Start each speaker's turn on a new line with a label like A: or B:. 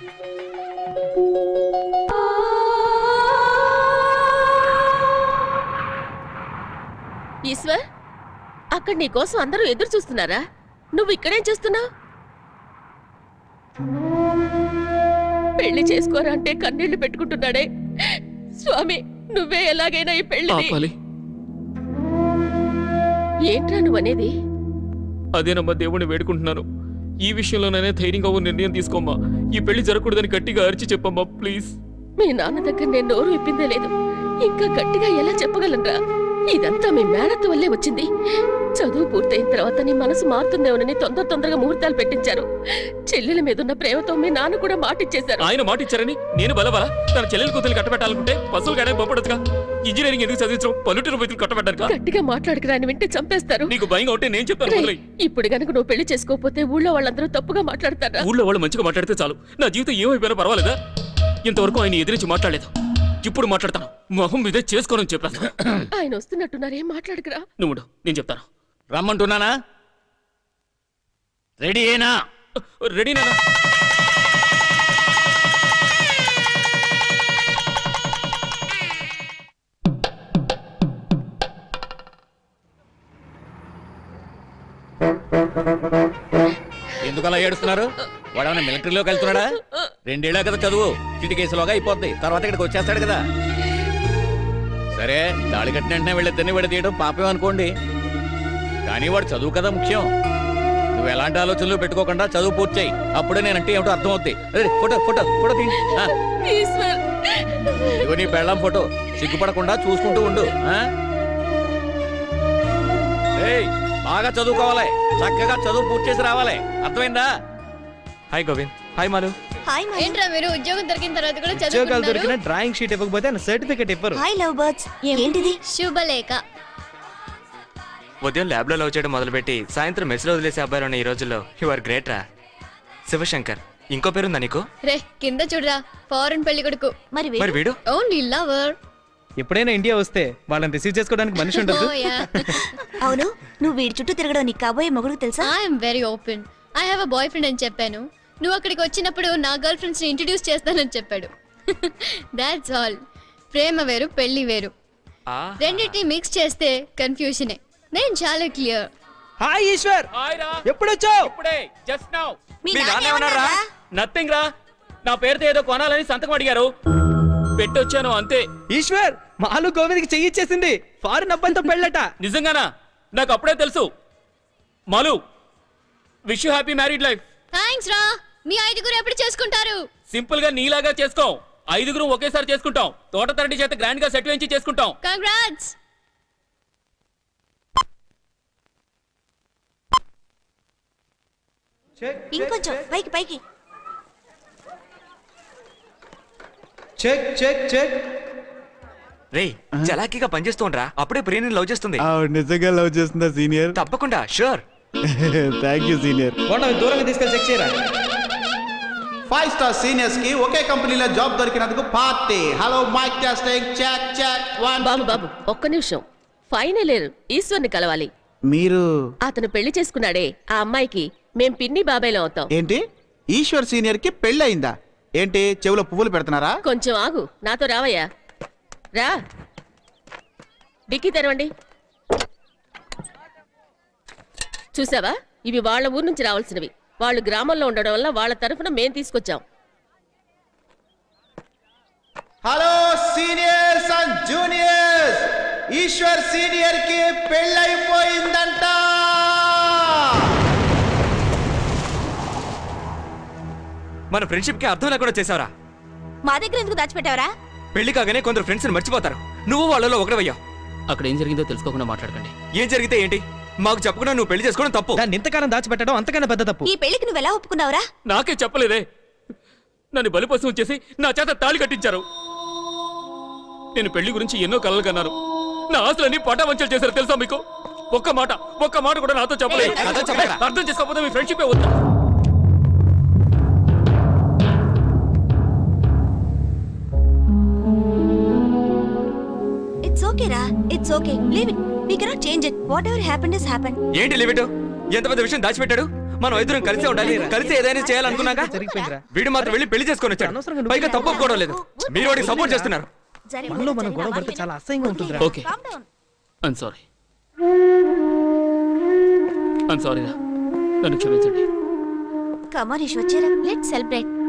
A: ఈశ్వర్, అక్కడ నీ కోసం అందరూ ఎదురు చూస్తున్నారా? నువ్వు ఇక్కడేం చేస్తున్నావు? పెళ్లి చేసుకోరా అంటే కన్నీళ్లు పెట్టుకుంటున్నాడే. స్వామి, నువ్వే ఎలాగైనా ఈ పెళ్లి. ఏంట్రా నువ్వనేది?
B: అదేనమ్మా, దేవుణ్ణి వేడుకుంటున్నాను. ఈ విషయంలోనైనా ధైర్యంగా ఓ నిర్ణయం తీసుకోమ్మా. ఈ పెళ్లి జరగకూడదని గట్టిగా అరిచి చెప్పమ్మా, ప్లీజ్.
A: మీ నాన్న దగ్గర నేను నోరు విప్పిందే లేదు, ఇంకా గట్టిగా ఎలా చెప్పగలనరా? ఇదంతా మీ మేనత్త వల్లే వచ్చింది. చదువు పూర్తయిన తర్వాత నీ మనసు మారుతుందేమోనని తొందరగా ముహూర్తాలు పెట్టించారు. చెల్లెల మీదున్న ప్రేమతో మీ నాన్న కూడా మాటిచ్చేశారు.
B: ఆయన మాటిచ్చారని నేను బలబల తన చెల్లెల కూతురు కట్టబెట్టాలనుకుంటే పశువులు గానే బొప్పడదుగా. ఇంజనీరింగ్ ఎందుకు చదివించడం? పల్లెటూరు రైతులు కట్టబెట్టారు.
A: గట్టిగా మాట్లాడుకురా, అని వింటే చంపేస్తారు.
B: నీకు భయంగా ఉంటే నేను చెప్తాను.
A: ఇప్పుడు గనుక నువ్వు పెళ్లి చేసుకోకపోతే ఊళ్ళో వాళ్ళందరూ తప్పుగా మాట్లాడతారా?
B: ఊళ్ళో వాళ్ళు మంచిగా మాట్లాడితే చాలు, నా జీవితం ఏమైపోయినా పర్వాలేదా? ఇంతవరకు ఆయన ఎదిరించి మాట్లాడలేదు, ఇప్పుడు మాట్లాడతాను. మొహం మీదే చేసుకోనని చెప్పాను.
A: ఆయన వస్తున్నట్టున్నారు, ఏం మాట్లాడకురా.
B: నువ్వు నేను చెప్తాను.
C: రమ్మంటున్నానా? రెడీ అయినా?
B: రెడీనా?
C: ఎందుకలా ఏడుస్తున్నారు? వాడేమన్నా మిలిటరీలోకి వెళ్తున్నాడా? 2 ఏళ్ళ కదా చదువు, చిటి కేసులోగా అయిపోద్ది. తర్వాత ఇక్కడికి వచ్చేస్తాడు కదా. సరే, తాళి కట్టిన వెంటనే వీళ్ళిద్దరిని విడదీయడం పాపం అనుకోండి, కానీ వాడు చదువు కదా ముఖ్యం. నువ్వు ఎలాంటి ఆలోచనలు పెట్టుకోకుండా చదువు పూర్తి చేయి, అప్పుడే నేనంటే ఏమిటో అర్థం అవుద్ది. ఫోటో ఫోటో ఫోటో తీ. ఇదిగో నీ పెళ్ళాం ఫోటో, సిగ్గుపడకుండా చూసుకుంటూ ఉండు. బాగా చదువుకోవాలి, చక్కగా చదువు పూర్తి చేసి రావాలి, అర్థమైందా?
B: Hi Govind. Hi Malu.
D: Hi ఏంట్రా మీరు ఉద్యోగం దొరికిన తర్వాత కూడా
E: ఉద్యోగాలు దొరికిన డ్రాయింగ్ షీట్ ఇవ్వకపోతే సర్టిఫికెట్ ఇవ్వరు.
D: Hi love birds. ఏంటిది? శుభలేఖ.
F: ఉదయం ల్యాబ్ లో లవ్ చేయడం మొదలుపెట్టి సాయంత్రం మెస్ లో వదిలేసే అబ్బాయిలు ఉన్న ఈ రోజుల్లో యు ఆర్ గ్రేట్ రా. శివశంకర్. ఇంకో పేరుందా నీకు?
D: రే కింద చూడరా, ఫారెన్ పెళ్లి కొడుకు. మరి
F: వీడు
D: ఓన్లీ లవర్.
E: ఎప్పుడైనా ఇండియా వస్తే వాళ్ళని రిసీవ్ చేసుకోవడానికి మనిషి ఉండదు.
G: అవును, నువ్వు వీడి చుట్టూ తిరగడం నీకు కాబోయే మొగుడు తెలుసా?
D: I'm very open. I have a boyfriend అని చెప్పాను. నువ్వు అక్కడికి వచ్చినప్పుడు నా గర్ల్ ఫ్రెండ్స్ ని ఇంట్రడ్యూస్ చేస్తానని చెప్పాడు. That's all. ప్రేమ వేరు, పెళ్లి వేరు. రెండింటిని మిక్స్ చేస్తే కన్ఫ్యూజనే. నేను చాలా క్లియర్.
E: హాయ్ ఈశ్వర్, ఎప్పుడొచ్చావు?
B: ఇప్పుడే, జస్ట్ నౌ.
G: మీ
B: మీ
G: నాన్న
B: నాన్న ఏమన్నారా?
G: ఏమన్నారా?
B: నథింగ్ రా. నా పేరుతో ఏదో కొనాలని సంతకం అడిగారు, పెట్టొచ్చాను అంతే.
E: ఈశ్వర్, మాలు గోవింద్కి చెయ్యిచ్చేసింది. ఫారిన్ అబ్బాయితో పెళ్ళట.
B: నిజంగానా? నాకు అప్పుడే తెలుసు. Malu, wish you happy married life.
D: Thanks రా. మీ 5గురు ఎప్పుడు చేసుకుంటారు?
B: సింపుల్ గా నీలాగా చేసుకో. 5గురు ఒకేసారి చేసుకుంటాం. తోట తరటి చేత గ్రాండ్ గా సెట్ వేయించి చేసుకుంటాం.
D: కంగ్రాట్స్.
G: ఇంకొంచెం పైకి పైకి.
E: Check check check.
F: రే చలాకీగా పనిచేస్తూ ఉండరా, అప్పుడే ప్రియని లవ్ చేస్తుంది.
H: నిజంగా లవ్ చేస్తుందా సీనియర్?
F: తప్పకుండా, షూర్.
H: Thank you senior.
E: దూరంగా తీసుకెళ్ళి చెక్ చేయరా.
I: 5 స్టార్ సీనియర్స్ కి ఒకే కంపెనీలో జాబ్ దొరికినందుకు party. Hello mic testing, check check 1.
A: బాబు ఒక్క నిమిషం. ఫైనల్ ఇయర్ ఈశ్వర్ని కలవాలి.
I: మీరు
A: అతను పెళ్లి చేసుకున్నాడే, ఆ అమ్మాయికి మేం పిన్ని బాబాయ్లో అవుతాం.
I: ఏంటి? ఈశ్వర్ సీనియర్ కి పెళ్ళయిందా? ఏంటి చెవులో పువ్వులు పెడుతున్నారా?
A: కొంచెం ఆగు, నాతో రావయ్యా. రా, డిక్కీ తెరవండి. చూసావా, ఇవి వాళ్ళ ఊరు నుంచి రావాల్సినవి. వాళ్ళు గ్రామంలో ఉండడం వల్ల వాళ్ళ తరఫున మేం తీసుకొచ్చాం.
I: Hello seniors and juniors, Eshwar senior కి పెళ్ళైపోయిందంట.
F: మన ఫ్రెండ్షిప్ కి అర్థం లేకుండా చేసావరా.
G: మా దగ్గర ఎందుకు దాచిపెట్టావరా?
F: పెళ్లి కాగానే కొందరు ఫ్రెండ్స్ ని మర్చిపోతారు. నువ్వు వాళ్ళలో ఒకటవయ్యావు.
B: అక్కడ ఏం జరిగిందో తెలుసుకోకుండా మాట్లాడకండి.
F: ఏం జరిగితే ఏంటి? మాకు చెప్పకుండా నువ్వు పెళ్లి చేసుకోవడం తప్పు.
E: దాన్ని ఇంతకాలం దాచిపెట్టడం అంతకన్నా పెద్ద తప్పు.
G: ఈ పెళ్లికి నువ్వు ఎలా ఒప్పుకున్నావురా?
B: నాకే చెప్పలేదే. నన్ను బలిపశువు చేసి నా చేత తాళి కట్టించారు. నేను పెళ్లి గురించి ఎన్నో కలలు కన్నాను. నా ఆశలన్నీ పటావంచలు చేశారు తెలుసా మీకు? ఒక్క మాట కూడా నాతో చెప్పలేదు. అర్థం చేసుకోకపోతే మీ ఫ్రెండ్షిప్ వద్దా?
G: ఇట్స్ ఓకే రా, it's okay. Leave it. We cannot change it. Whatever happened has happened.
F: ఏంటి లిమిట్? ఎంత పెద్ద విషయం దాచిపెట్టాడు. మనం ఇద్దరం కలిసి ఉండాలి, కలిసి ఏదైనా చేయాలనుకున్నాగా.
E: జరిగిపోయిందిరా.
F: వీడు మాత్రం వెళ్ళి పెళ్లి చేసుకొని వచ్చాడు.
E: అనవసరంగా నువ్వు
F: పైగా తప్పు ఒప్పుకోవడం లేదు. మీరు వాడికి సపోర్ట్ చేస్తున్నారు.
E: మనలో మనం గొడవ పడితే చాలా అసహ్యంగా ఉంటుందిరా.
B: Okay I'm sorry I'm sorry రా, నన్ను క్షమించండి.
G: కమాన్ ఈష్ వచ్చారా.
D: Let's celebrate.